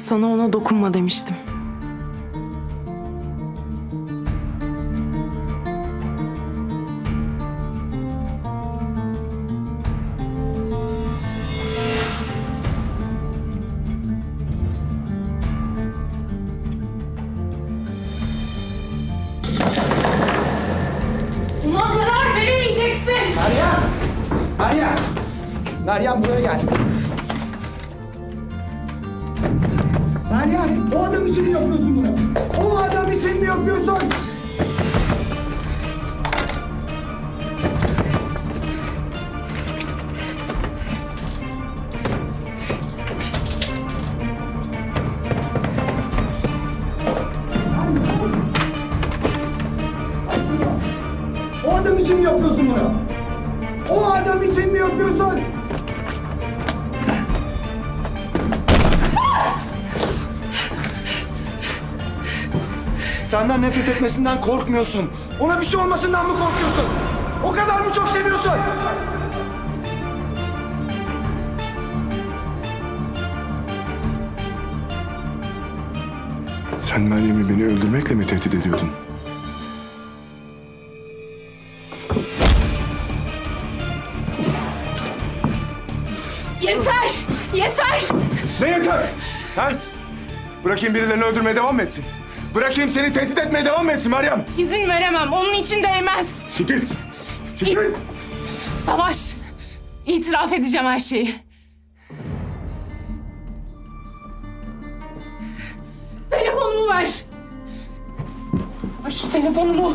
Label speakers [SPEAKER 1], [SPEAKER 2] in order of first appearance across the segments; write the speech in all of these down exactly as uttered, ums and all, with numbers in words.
[SPEAKER 1] Sana ona dokunma demiştim. Ona zarar veremeyeceksin.
[SPEAKER 2] Meryem! Meryem! Meryem buraya gel. Meryem, o adam için mi yapıyorsun bunu? O adam için mi yapıyorsun? O adam için mi yapıyorsun bunu? O adam için mi yapıyorsun? Senden nefret etmesinden korkmuyorsun. Ona bir şey olmasından mı korkuyorsun? O kadar mı çok seviyorsun?
[SPEAKER 3] Sen Meryem'i beni öldürmekle mi tehdit ediyordun?
[SPEAKER 1] Yeter! Yeter!
[SPEAKER 3] Ne yeter? Ha? Bırakayım birilerini öldürmeye devam mı etsin? Bırakayım seni tehdit etmeye devam mı etsin Meryem?
[SPEAKER 1] İzin veremem. Onun için değmez.
[SPEAKER 3] Çekil! Çekil!
[SPEAKER 1] Savaş. İtiraf edeceğim her şeyi. Telefonumu ver. Ver şu telefonumu.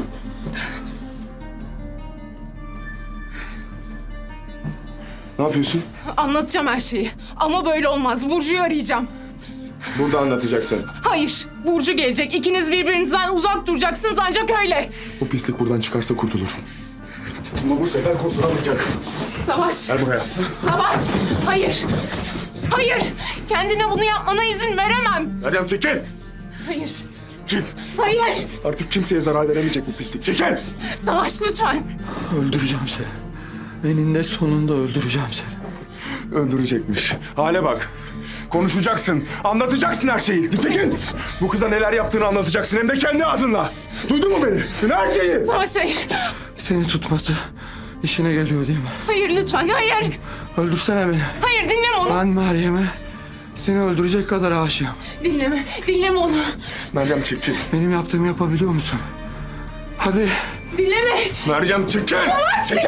[SPEAKER 3] Ne yapıyorsun?
[SPEAKER 1] Anlatacağım her şeyi. Ama böyle olmaz. Burcu'yu arayacağım.
[SPEAKER 3] Burada anlatacaksın.
[SPEAKER 1] Hayır. Burcu gelecek. İkiniz birbirinizden uzak duracaksınız ancak öyle.
[SPEAKER 3] Bu pislik buradan çıkarsa kurtulur. Ama bu sefer kurtulamayacak.
[SPEAKER 1] Savaş.
[SPEAKER 3] Gel buraya.
[SPEAKER 1] Savaş. Hayır. Hayır. Kendine bunu yapmana izin veremem.
[SPEAKER 3] Meryem çekil!
[SPEAKER 1] Hayır.
[SPEAKER 3] Çık!
[SPEAKER 1] Hayır.
[SPEAKER 3] Artık kimseye zarar veremeyecek bu pislik. Çekil!
[SPEAKER 1] Savaş lütfen.
[SPEAKER 2] Öldüreceğim seni. Eninde sonunda öldüreceğim seni.
[SPEAKER 3] Öldürecekmiş. Hale bak. Konuşacaksın. Anlatacaksın her şeyi. Çekil! Bu kıza neler yaptığını anlatacaksın. Hem de kendi ağzınla. Duydun mu beni? Her şeyi.
[SPEAKER 1] Savaş hayır.
[SPEAKER 2] Seni tutması işine geliyor değil mi?
[SPEAKER 1] Hayır lütfen hayır.
[SPEAKER 2] Öldürsene beni.
[SPEAKER 1] Hayır dinleme onu.
[SPEAKER 2] Ben Meryem'e seni öldürecek kadar aşığım.
[SPEAKER 1] Dinleme. Dinleme onu.
[SPEAKER 3] Meryem çekil.
[SPEAKER 2] Benim yaptığımı yapabiliyor musun? Hadi.
[SPEAKER 1] Dinleme.
[SPEAKER 3] Meryem çekil. Çekil.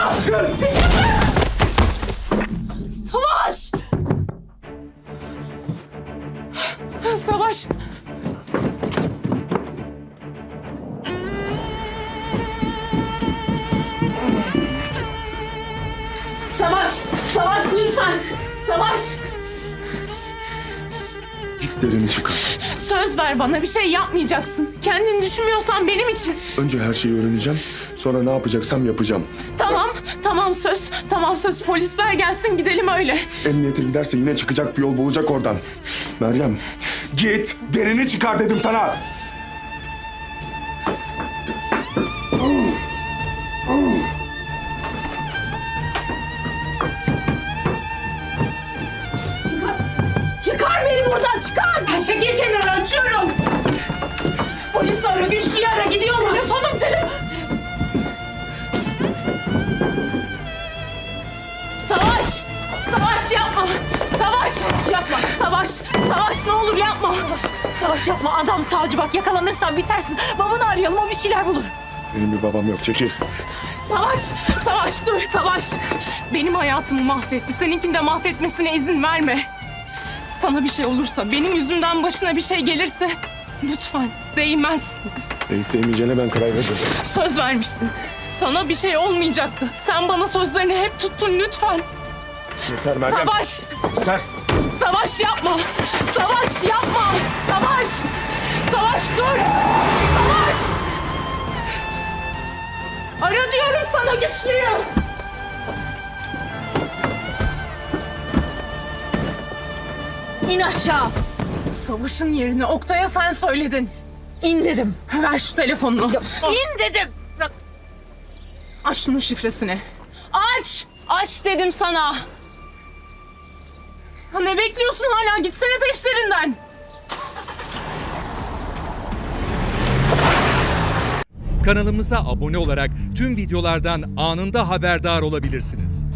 [SPEAKER 1] Savaş. Savaş. Savaş. Savaş lütfen. Savaş.
[SPEAKER 3] Git derini çıkar.
[SPEAKER 1] Söz ver bana bir şey yapmayacaksın. Kendini düşünmüyorsan benim için.
[SPEAKER 3] Önce her şeyi öğreneceğim. Sonra ne yapacaksam yapacağım.
[SPEAKER 1] Tamam. Tamam söz. Tamam söz. Polisler gelsin gidelim öyle.
[SPEAKER 3] Emniyete giderse yine çıkacak bir yol bulacak oradan. Meryem git derini çıkar dedim sana.
[SPEAKER 1] Çıkar beni buradan çıkar. Çekil kenara açıyorum. Polis ara güçlüyü ara gidiyorlar. Telefonum telefon. Savaş. Savaş yapma. Savaş. Yapma. Savaş. Savaş ne olur yapma. Savaş.
[SPEAKER 4] Savaş yapma adam savcı bak yakalanırsan bitersin. Babanı arayalım o bir şeyler bulur.
[SPEAKER 3] Benim bir babam yok çekil.
[SPEAKER 1] Savaş. Savaş dur. Savaş. Benim hayatımı mahvetti. Seninkini de mahvetmesine izin verme. Sana bir şey olursa, benim yüzümden başına bir şey gelirse lütfen değmez.
[SPEAKER 3] Deyip değmeyeceğine ben karar verdim.
[SPEAKER 1] Söz vermiştin. Sana bir şey olmayacaktı. Sen bana sözlerini hep tuttun lütfen.
[SPEAKER 3] Yeter Meryem.
[SPEAKER 1] Savaş!
[SPEAKER 3] Yeter.
[SPEAKER 1] Savaş yapma! Savaş yapma! Savaş! Savaş dur! Savaş! Ara diyorum sana güçlüyü!
[SPEAKER 4] İn aşağı.
[SPEAKER 1] Savaşın yerini Oktay'a sen söyledin.
[SPEAKER 4] İn dedim.
[SPEAKER 1] Ver şu telefonunu.
[SPEAKER 4] İn dedim.
[SPEAKER 1] Aç şunun şifresini. Aç! Aç dedim sana. Ha, ne bekliyorsun hala? Gitsene peşlerinden.
[SPEAKER 5] Kanalımıza abone olarak tüm videolardan anında haberdar olabilirsiniz.